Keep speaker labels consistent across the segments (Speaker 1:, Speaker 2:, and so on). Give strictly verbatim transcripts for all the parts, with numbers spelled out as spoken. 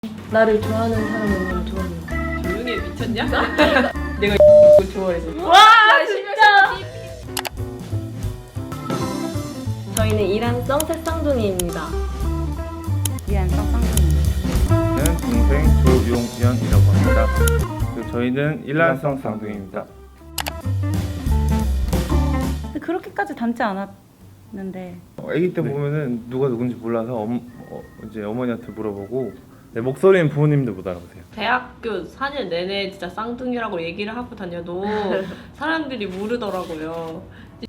Speaker 1: 나를 좋아하는 사람은 좋아하는
Speaker 2: 조용히 해, 미쳤냐? 내가 이걸 좋아해서.
Speaker 1: 와 진짜! 저희는 이란성 새쌍둥이입니다.
Speaker 3: 이란성 쌍둥이.
Speaker 4: 저는 동생 조용현이라고 합니다. 그리고 저희는 일란성 쌍둥이입니다.
Speaker 3: 근데 그렇게까지 닮지 않았는데
Speaker 4: 아기 때
Speaker 5: 네.
Speaker 4: 보면은 누가 누군지 몰라서 엄, 어, 이제 어머니한테 물어보고 내 목소리는 부모님도 못 알아보세요.
Speaker 2: 대학교 사 년 내내 진짜 쌍둥이라고 얘기를 하고 다녀도 사람들이 모르더라고요.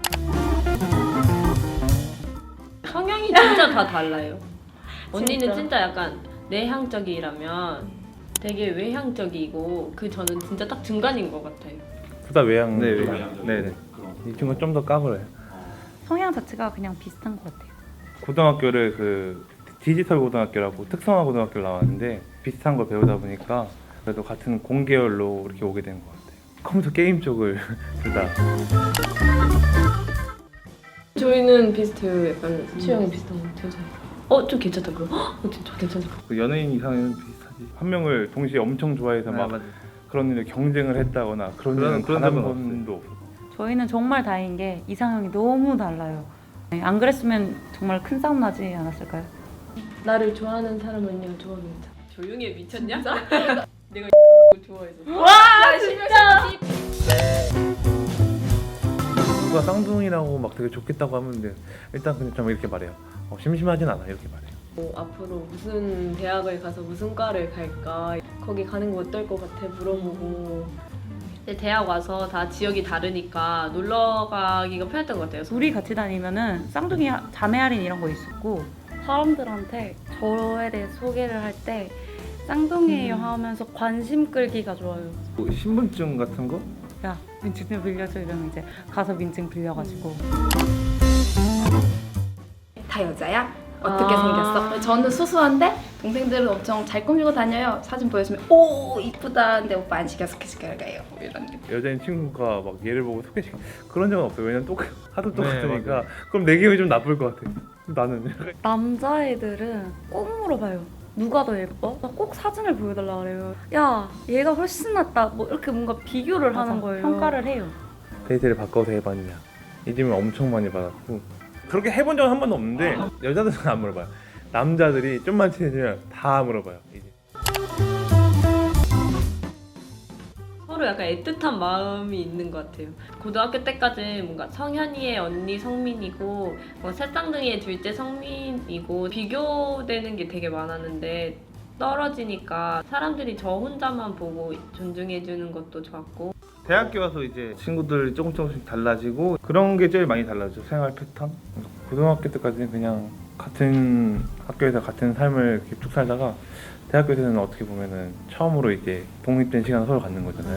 Speaker 2: 성향이 진짜 다 달라요. 언니는
Speaker 1: 진짜.
Speaker 2: 진짜 약간 내향적이라면 되게 외향적이고 그 저는 진짜 딱 중간인 것 같아요.
Speaker 4: 둘 다 외향.
Speaker 5: 네,
Speaker 4: 외향. 네네. 이 친구는 좀 더 까불어요.
Speaker 3: 성향 자체가 그냥 비슷한 것 같아요.
Speaker 4: 고등학교를 그 디지털 고등학교라고 특성화 고등학교를 나왔는데 비슷한 걸 배우다 보니까 그래도 같은 공계열로 이렇게 오게 된 것 같아요. 컴퓨터 게임 쪽을 둘 다.
Speaker 1: 저희는 비슷해요. 약간 취향이 비슷한 것 같아요. 저희. 어, 좀 괜찮다 그거. 어, 진짜 괜찮다.
Speaker 4: 그 연예인 이상은 비슷하지. 한 명을 동시에 엄청 좋아해서 막 그런 일에 경쟁을 했다거나 그런
Speaker 5: 그런-
Speaker 4: 일은
Speaker 5: 그런
Speaker 4: 단 한
Speaker 5: 적은
Speaker 4: 번도 없어요.
Speaker 3: 저희는 정말 다행인 게 이상형이 너무 달라요. 네, 안 그랬으면 정말 큰 싸움 나지 않았을까요?
Speaker 1: 나를 좋아하는 사람은요 좋아합니다.
Speaker 2: 조용히 해, 미쳤냐? 내가 이걸 좋아해서.
Speaker 1: 와 진짜!
Speaker 4: 누가 쌍둥이라고 막 되게 좋겠다고 하면 일단 그냥 좀 이렇게 말해요. 어, 심심하진 않아 이렇게 말해요.
Speaker 1: 뭐, 앞으로 무슨 대학을 가서 무슨 과를 갈까 거기 가는 거 어떨 것 같아 물어보고
Speaker 2: 근데 대학 와서 다 지역이 다르니까 놀러 가기가 편했던 것 같아요.
Speaker 3: 둘이 같이 다니면은 쌍둥이 하- 자매 할인 이런 거 있었고
Speaker 6: 사람들한테 저에 대해 소개를 할 때 쌍둥이에요 하면서 관심 끌기가 좋아요.
Speaker 4: 뭐 신분증 같은 거?
Speaker 3: 야 민증 좀 빌려줘 이러면 이제 가서 민증 빌려가지고
Speaker 7: 다 여자야? 어떻게
Speaker 1: 아.
Speaker 7: 생겼어? 저는 수수한데 동생들은 엄청 잘 꾸미고 다녀요. 사진 보여주면 오 이쁘다. 근데 오빠 안 시켜 스케줄 가요. 뭐 이런 느낌.
Speaker 4: 여자인 친구가 막 얘를 보고 소개시켜 그런 적은 없어요. 왜냐면 똑 하도 똑같으니까.
Speaker 5: 맞아요.
Speaker 4: 그럼 내 기분이 좀 나쁠 것 같아. 나는
Speaker 6: 남자애들은 꼭 물어봐요. 누가 더 예뻐? 나 꼭 사진을 보여달라 그래요. 야, 얘가 훨씬 낫다. 뭐 이렇게 뭔가 비교를
Speaker 3: 맞아,
Speaker 6: 하는 거예요.
Speaker 3: 평가를 해요.
Speaker 4: 데이트를 바꿔서 해봤냐 이 질문 엄청 많이 받았고 그렇게 해본 적은 한 번도 없는데 여자들은 안 물어봐요. 남자들이 좀만 친해지면 다 물어봐요. 이제.
Speaker 2: 서로 약간 애틋한 마음이 있는 것 같아요. 고등학교 때까지 뭔가 성현이의 언니 성민이고 뭐 새쌍둥이의 둘째 성민이고 비교되는 게 되게 많았는데 떨어지니까 사람들이 저 혼자만 보고 존중해주는 것도 좋았고
Speaker 4: 대학교 와서 이제 친구들 조금 조금씩 달라지고 그런 게 제일 많이 달라져. 생활 패턴. 고등학교 때까지는 그냥 같은 학교에서 같은 삶을 이렇게 쭉 살다가 대학교 때는 어떻게 보면은 처음으로 이제 독립된 시간을 서로 갖는 거잖아요.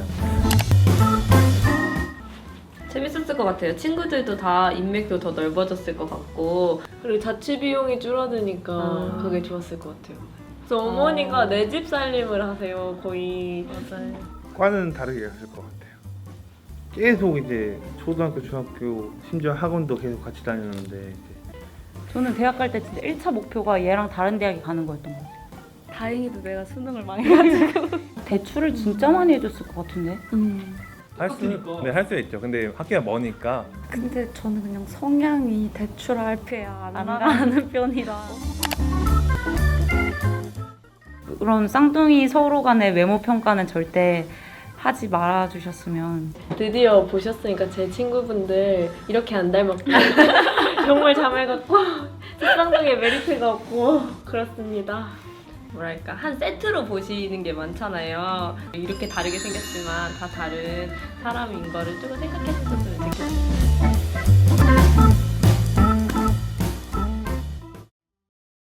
Speaker 2: 재밌었을 것 같아요. 친구들도 다 인맥도 더 넓어졌을 것 같고
Speaker 1: 그리고 자취 비용이 줄어드니까
Speaker 2: 아.
Speaker 1: 그게 좋았을 것 같아요. 그래서 어머니가
Speaker 2: 아.
Speaker 1: 내 집 살림을 하세요 거의.
Speaker 2: 맞아요.
Speaker 4: 과는 다르게 갔을 것 같아요. 계속 이제 초등학교, 중학교, 심지어 학원도 계속 같이 다녔는데 이제
Speaker 3: 저는 대학 갈 때 진짜 일 차 목표가 얘랑 다른 대학에 가는 거였던 것 같아요.
Speaker 6: 다행히도 내가 수능을 많이 해가지고.
Speaker 3: 대출을 진짜 많이 해줬을 것 같은데
Speaker 6: 음.
Speaker 4: 할 수, 네, 할 수 있죠. 근데 학교가 머니까
Speaker 6: 근데 저는 그냥 성향이 대출 알페야 안
Speaker 3: 안
Speaker 6: 나가는 편이라.
Speaker 3: 그런 쌍둥이 서로 간의 외모 평가는 절대 하지 말아주셨으면.
Speaker 1: 드디어 보셨으니까 제 친구분들 이렇게 안 닮았고 정말 자매 같고 쌍둥이의 메리트가 없고 그렇습니다.
Speaker 2: 뭐랄까 한 세트로 보시는 게 많잖아요. 이렇게 다르게 생겼지만 다 다른 사람인 거를 조금 생각해 주셨으면 좋겠어요.